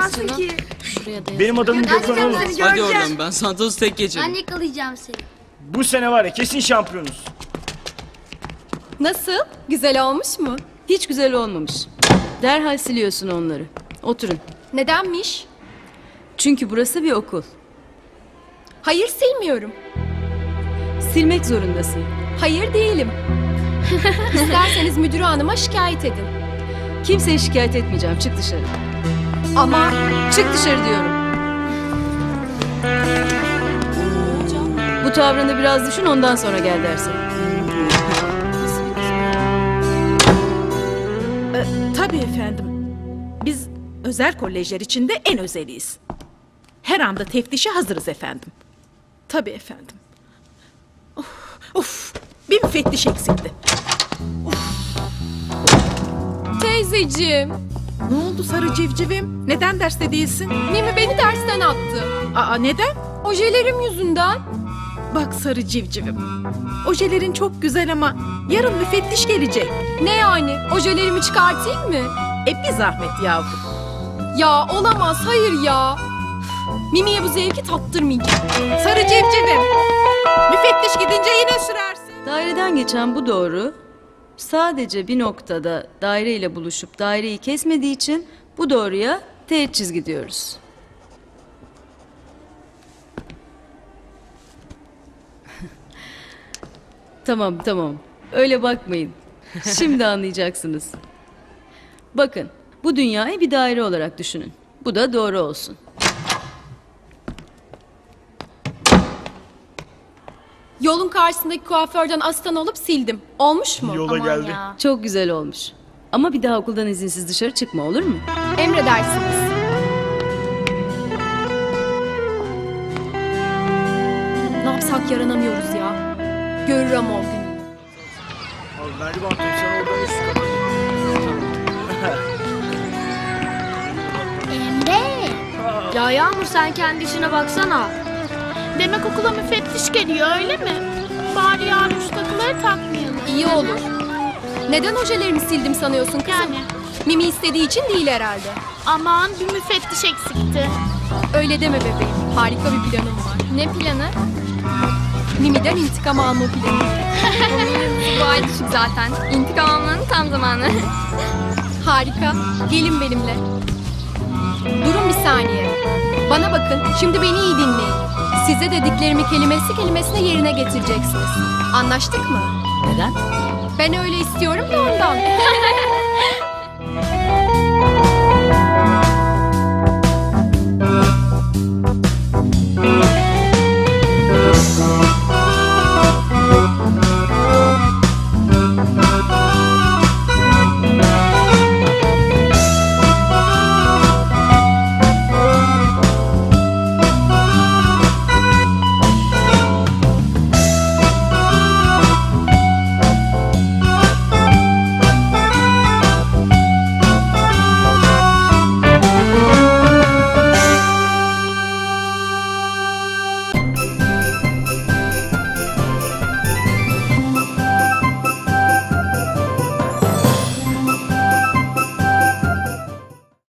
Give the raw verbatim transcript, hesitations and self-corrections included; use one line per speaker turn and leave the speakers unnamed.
yakalayamazsın ki.
Şuraya da
Benim adamım Gökhan
Yakalayacağım
oğlum.
seni,
Hadi
göreceğim.
oradan, ben Santos'u tek geçerim.
Ben yakalayacağım seni.
Bu sene var ya kesin şampiyonuz.
Nasıl? Güzel olmuş mu?
Hiç güzel olmamış. Derhal siliyorsun onları. Oturun.
Nedenmiş?
Çünkü burası bir okul.
Hayır, silmiyorum.
Silmek zorundasın.
Hayır değilim. İsterseniz müdür hanıma şikayet edin.
Kimseye şikayet etmeyeceğim. Çık dışarı.
Ama
Çık dışarı diyorum. Bu tavrını biraz düşün, ondan sonra gel dersin.
Tabii efendim. Biz özel kolejler içinde en özeliyiz. Her anda teftişe hazırız efendim. Tabii efendim. Of, of, bir müfettiş eksikti.
teyzeciğim,
Ne oldu sarı civcivim? Neden derste değilsin?
Mimi beni dersten attı.
Aa neden?
Ojelerim yüzünden.
Bak sarı civcivim. Ojelerin çok güzel ama yarın müfettiş gelecek.
Ne yani? Ojelerimi çıkartayım mı?
E bir zahmet yavrum.
Ya olamaz, hayır ya. Mimi'ye bu zevki tattırmayacağım.
Sarı civcivim. Müfettiş gidince yine sürersin.
Daireden geçen bu doğru sadece bir noktada daire ile buluşup daireyi kesmediği için bu doğruya teğet çizgi diyoruz. Tamam tamam, öyle bakmayın. Şimdi anlayacaksınız. Bakın, bu dünyayı bir daire olarak düşünün. Bu da doğru olsun.
Yolun karşısındaki kuaförden asistan olup sildim. Olmuş mu?
Yola geldi.
Çok güzel olmuş. Ama bir daha okuldan izinsiz dışarı çıkma, olur mu?
Emredersiniz. Ne yapsak yaranamıyoruz ya. Görür ama o günü.
Abi ver bantım sen oradan üst kapat.
Emre. Ya Yağmur sen kendi işine baksana.
Demek okula müfettiş geliyor öyle mi? Bari yarın şu takıları takmayalım.
İyi olur. Neden ojelerimi sildim sanıyorsun kızım?
Yani
Mimi istediği için değil herhalde.
aman bir müfettiş eksikti.
Öyle deme bebeğim. Harika bir planım var. Ne planı? Mimi'den intikam alma planı.
Bu ay düşük zaten. İntikam almanın tam zamanı.
Harika. Gelin benimle. Durun bir saniye. Bana bakın. Şimdi beni iyi dinleyin. Size dediklerimi kelimesi kelimesine yerine getireceksiniz. Anlaştık mı?
Neden?
Ben öyle istiyorum da ondan.